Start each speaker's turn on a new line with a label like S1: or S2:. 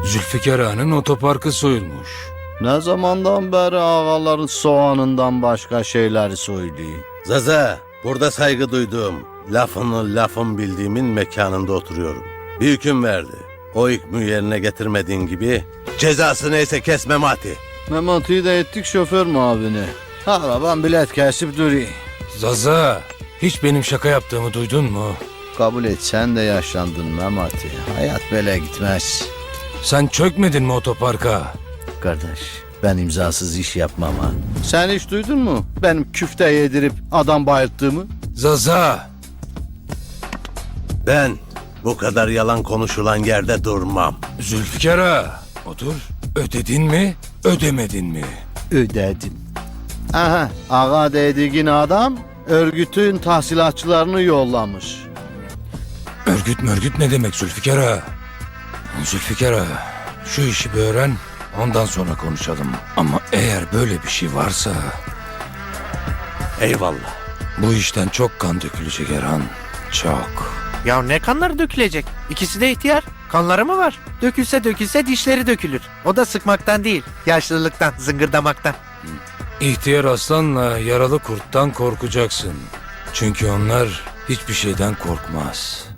S1: Zülfikar Ağa'nın otoparkı soyulmuş.
S2: Ne zamandan beri ağaların soğanından başka şeyleri söylüyor?
S3: Zaza, burada saygı duyduğum, lafın bildiğimin mekanında oturuyorum. Bir hüküm verdi. O hükmü yerine getirmediğin gibi cezası neyse kes Memati.
S2: Memati'yi de ettik şoför muavini. Araban bilet kesip duruyor.
S1: Zaza, hiç benim şaka yaptığımı duydun mu?
S2: Kabul et, sen de yaşlandın Memati. Hayat böyle gitmez.
S1: Sen çökmedin mi otoparka?
S2: Kardeş, ben imzasız iş yapmam ha. Sen hiç duydun mu benim küfte yedirip adam bayılttığımı?
S1: Zaza,
S3: Ben bu kadar yalan konuşulan yerde durmam.
S1: Zülfikar Ağa, otur. Ödedin mi, ödemedin mi?
S2: Ödedim. Aha, ağa dediğin adam örgütün tahsilatçılarını yollamış.
S1: Örgüt ne demek Zülfikar Ağa? Zülfikar Ağa, şu işi bir öğren, ondan sonra konuşalım. Ama eğer böyle bir şey varsa,
S3: Eyvallah.
S1: bu işten çok kan dökülecek Erhan. Çok.
S4: Ya ne kanları dökülecek? İkisi de ihtiyar. Kanları mı var? Dökülse dişleri dökülür. O da sıkmaktan değil, yaşlılıktan, zıngırdamaktan.
S1: İhtiyar aslanla yaralı kurttan korkacaksın. Çünkü onlar hiçbir şeyden korkmaz.